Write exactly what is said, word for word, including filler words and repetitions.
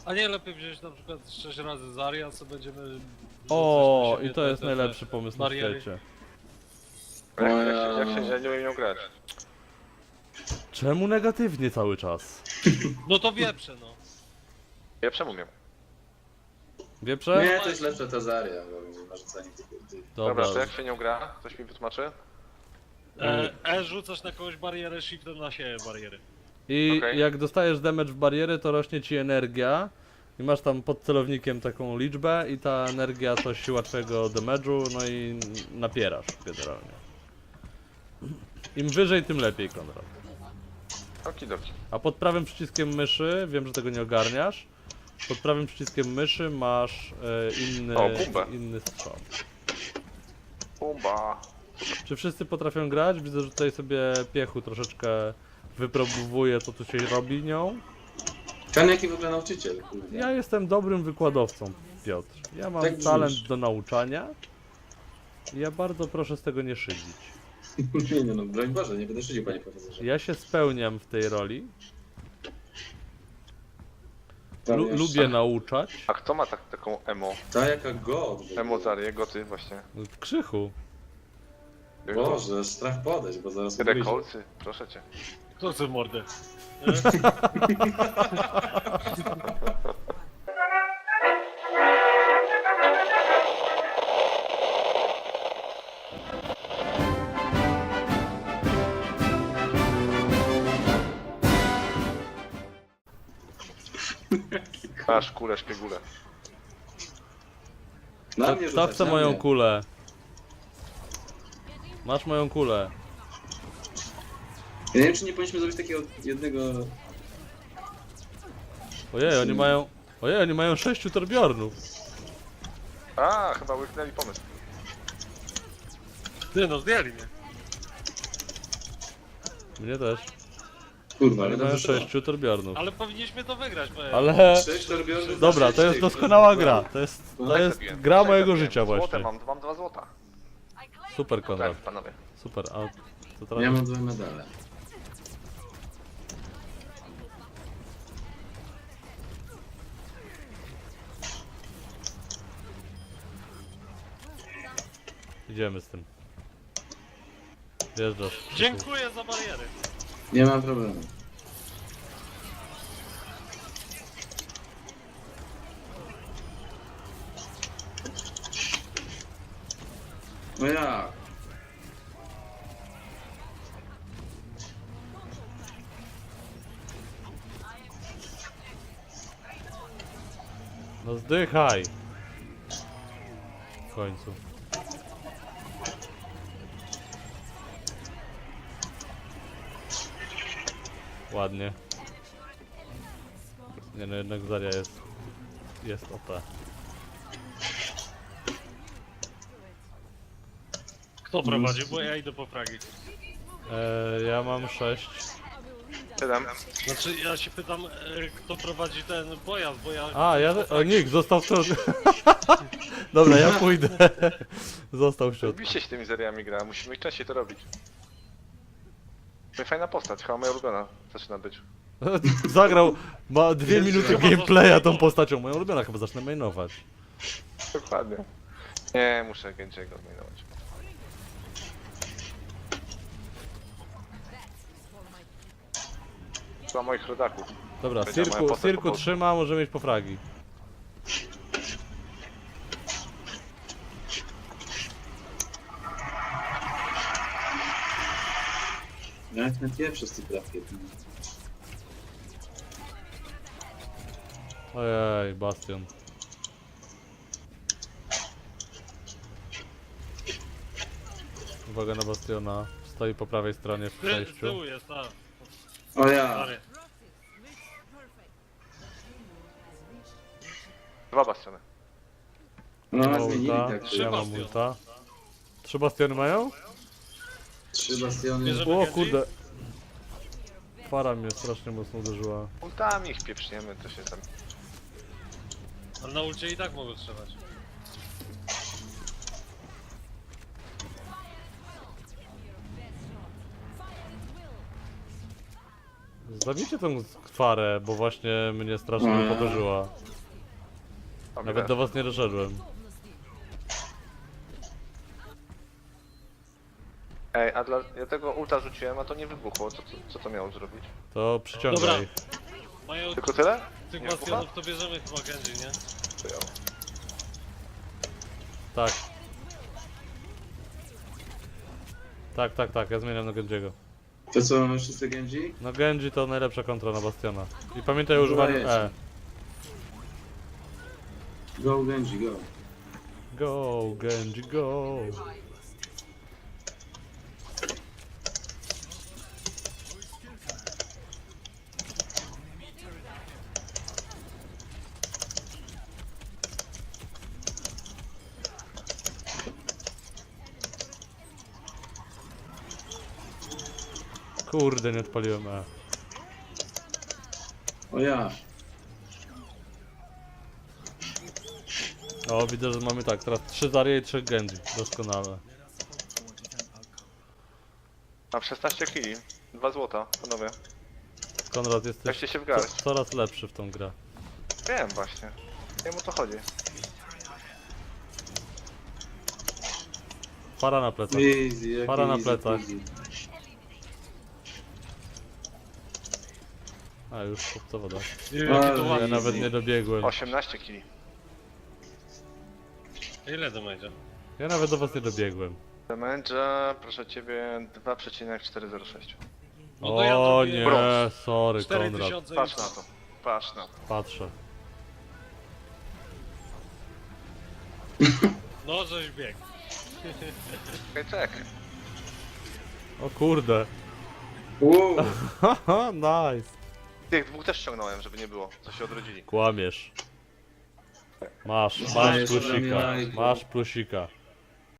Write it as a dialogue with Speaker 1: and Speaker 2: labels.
Speaker 1: A nie lepiej wziąć na przykład sześć razy Zarya, co będziemy...
Speaker 2: O,
Speaker 1: rzucać na
Speaker 2: i to
Speaker 1: siebie
Speaker 2: jest
Speaker 1: te-
Speaker 2: najlepszy
Speaker 1: te
Speaker 2: pomysł na
Speaker 1: bariery.
Speaker 2: świecie.
Speaker 3: Jak, jak, się, jak się ja nie umiem nią grać.
Speaker 2: Czemu negatywnie cały czas?
Speaker 1: No to wieprze, no.
Speaker 3: Ja przemówię.
Speaker 2: Wieprze?
Speaker 4: Nie, to jest lepsze to Zarya, bo będzie narzucanie tych...
Speaker 3: Dobra,
Speaker 2: Dobra.
Speaker 3: to jak się nią gra? Ktoś mi wytłumaczy?
Speaker 1: E, e rzucasz na kogoś barierę, shiftem na siebie bariery.
Speaker 2: I
Speaker 3: Okej.
Speaker 2: jak dostajesz damage w barierę, to rośnie ci energia. I masz tam pod celownikiem taką liczbę i ta energia to siła twojego damage'u, no i napierasz generalnie. Im wyżej, tym lepiej, Konrad.
Speaker 3: Okidoki.
Speaker 2: A pod prawym przyciskiem myszy, wiem, że tego nie ogarniasz, pod prawym przyciskiem myszy masz e, inny,
Speaker 3: O, bumbę.
Speaker 2: inny strzał.
Speaker 3: Pumba.
Speaker 2: Czy wszyscy potrafią grać? Widzę, że tutaj sobie Piechu troszeczkę wypróbuje, co tu się robi nią.
Speaker 4: Ten jaki w ogóle nauczyciel, kurde.
Speaker 2: Ja jestem dobrym wykładowcą, Piotr. Ja mam
Speaker 4: Tak brzmisz.
Speaker 2: talent do nauczania. I ja bardzo proszę z tego nie szydzić.
Speaker 4: Nie, nie no, broń Boże, nie będę szydził, panie profesorze.
Speaker 2: Ja się spełniam w tej roli.
Speaker 4: Tam
Speaker 2: Lu
Speaker 4: jeszcze-
Speaker 2: lubię nauczać.
Speaker 3: A kto ma tak, taką emo?
Speaker 4: Ta jaka god.
Speaker 3: Emo Zarię, goty właśnie.
Speaker 2: Krzychu.
Speaker 4: Boże, strach podejść, bo zaraz ugryzie.
Speaker 3: Rekolcy, proszę cię.
Speaker 1: Kto chce w mordę?
Speaker 3: Masz kulę, szpiegulę.
Speaker 4: Na
Speaker 2: Kto,
Speaker 4: mnie
Speaker 2: kto
Speaker 4: rzucać,
Speaker 2: chce
Speaker 4: na
Speaker 2: moją
Speaker 4: mnie.
Speaker 2: kulę? Masz moją kulę.
Speaker 4: Ja nie wiem, czy nie powinniśmy zrobić takiego jednego...
Speaker 2: Ojej, oni mają... Ojej, oni mają sześciu torbiornów.
Speaker 3: A, chyba łyknęli pomysł.
Speaker 1: Ty no, zdjęli mnie.
Speaker 2: Mnie też.
Speaker 4: Kurwa,
Speaker 2: Oni
Speaker 4: ale
Speaker 2: mają
Speaker 4: dobrze to.
Speaker 2: sześciu torbiornów.
Speaker 1: Ale powinniśmy to wygrać, bo...
Speaker 2: Ale...
Speaker 4: Sześć torbiorów
Speaker 2: Dobra,
Speaker 4: na
Speaker 2: to jest
Speaker 4: sześć
Speaker 2: doskonała
Speaker 4: tych.
Speaker 2: gra. To jest, to
Speaker 3: Tak
Speaker 2: jest
Speaker 3: zrobiłem.
Speaker 2: gra
Speaker 3: Tak
Speaker 2: mojego
Speaker 3: zrobiłem.
Speaker 2: życia
Speaker 3: Złote
Speaker 2: właśnie.
Speaker 3: mam, mam dwa złota.
Speaker 2: Super, Konrad.
Speaker 3: Tak, panowie.
Speaker 2: Super, a to teraz...
Speaker 4: Ja mam dwa medale.
Speaker 2: Idziemy z tym. Wjeżdżasz.
Speaker 1: Dziękuję za bariery.
Speaker 4: Nie ma problemu. No jak?
Speaker 2: No zdychaj! W końcu. Ładnie. Nie no, jednak Zarya jest... jest O P.
Speaker 1: Kto prowadzi? Bo ja idę po fragi.
Speaker 2: Eee, ja mam sześć.
Speaker 3: Siedem.
Speaker 1: Znaczy, ja się pytam, e, kto prowadzi ten pojazd, bo ja...
Speaker 2: A, ja... O, Nick, został w środku. Dobra, ja pójdę. Został w środku.
Speaker 3: Oczywiście się tymi seriami gra, musimy częściej to robić. No i fajna postać, chyba moja ulubiona zaczyna być.
Speaker 2: Zagrał, ma dwie
Speaker 4: Jest,
Speaker 2: minuty
Speaker 4: że-
Speaker 2: gameplaya tą postacią. Moją ulubioną, chyba zacznę mainować.
Speaker 3: Dokładnie. Nie, muszę Genji'ego zmienować. Dla moich rodaków.
Speaker 2: Dobra,
Speaker 3: Będzie moja
Speaker 2: Cirku,
Speaker 3: postać
Speaker 2: Cirku
Speaker 3: po-
Speaker 2: trzyma, może mieć po fragi.
Speaker 4: Jak na pierwszy z tych grafik.
Speaker 2: Ojej, Bastion. Uwaga na Bastiona. Stoi po prawej stronie w
Speaker 1: Ty, z
Speaker 2: przejściu.
Speaker 1: tyłu jest, a.
Speaker 4: O ja!
Speaker 1: Stary.
Speaker 3: Dwa bastiony.
Speaker 4: No,
Speaker 2: Ma
Speaker 4: zmienili
Speaker 2: ulta,
Speaker 4: tak.
Speaker 1: Trzy
Speaker 2: ja mam
Speaker 1: bastiony.
Speaker 2: ulta. Trzy Bastiony mają?
Speaker 4: Trzy bastiony.
Speaker 1: Bierzemy-
Speaker 2: O
Speaker 1: Genji?
Speaker 2: kurde. Para mnie strasznie mocno uderzyła.
Speaker 3: Ultami ich pieprzniemy, to się tam...
Speaker 1: Ale na ulcie i tak mogą strzelać.
Speaker 2: Zabijcie tą kwarę, bo właśnie mnie strasznie
Speaker 4: Mm.
Speaker 2: upokorzyła.
Speaker 3: A,
Speaker 2: Nawet
Speaker 3: widać.
Speaker 2: do was nie doszedłem.
Speaker 3: Ej, a dla... ja tego ulta rzuciłem, a to nie wybuchło. Co, co, co to miało zrobić?
Speaker 2: To przyciągaj.
Speaker 1: Dobra. Mają
Speaker 3: Tylko tyle?
Speaker 1: tych
Speaker 3: Nie wybucha?
Speaker 1: bastionów, to bierzemy chyba Genji, nie?
Speaker 3: To ja.
Speaker 2: Tak. Tak, tak, tak, ja zmieniam na Genjiego.
Speaker 4: To co, mamy wszyscy Genji?
Speaker 2: No Genji to najlepsza kontra na Bastiona. I pamiętaj o używaniu E.
Speaker 4: Go Genji, go.
Speaker 2: Go, Genji, go. Kurde, nie odpaliłem E.
Speaker 4: O ja.
Speaker 2: O, widzę, że mamy tak, teraz trzy Zarya i trzech Genji. Doskonale.
Speaker 3: Mam szesnaście kili. dwa złota, panowie.
Speaker 2: Konrad, jesteś
Speaker 3: Weźcie się w
Speaker 2: co,
Speaker 3: garść.
Speaker 2: coraz lepszy w tą grę.
Speaker 3: Wiem właśnie. Wiem o co chodzi.
Speaker 2: Para na plecach.
Speaker 4: Easy, jak
Speaker 2: Para na
Speaker 4: easy,
Speaker 2: plecach.
Speaker 4: easy.
Speaker 2: A, już chłopcowo da.
Speaker 1: Nie wiem, jakie to
Speaker 4: Ale
Speaker 2: Ja
Speaker 1: ładne.
Speaker 4: easy.
Speaker 2: nawet nie dobiegłem.
Speaker 3: osiemnaście kili.
Speaker 1: Ile to będzie?
Speaker 2: Ja nawet do was nie dobiegłem.
Speaker 3: Damage, proszę ciebie, dwa przecinek czterysta zero sześć.
Speaker 1: No to ja
Speaker 2: O
Speaker 1: zrobię
Speaker 2: nie,
Speaker 3: brąz.
Speaker 2: sorry
Speaker 1: cztery
Speaker 2: Konrad.
Speaker 1: tysiące
Speaker 3: Patrz na to. Patrz na to.
Speaker 2: Patrzę.
Speaker 1: No, żeś biegł.
Speaker 3: Czekaj, czekaj.
Speaker 2: O kurde.
Speaker 4: Wow.
Speaker 2: Haha, nice.
Speaker 3: Tych dwóch też ściągnąłem, żeby nie było. Co się odrodzili.
Speaker 2: Kłamiesz. Masz,
Speaker 4: Dajesz
Speaker 2: masz
Speaker 4: ode mnie
Speaker 2: plusika.
Speaker 4: lajka.
Speaker 2: Masz plusika.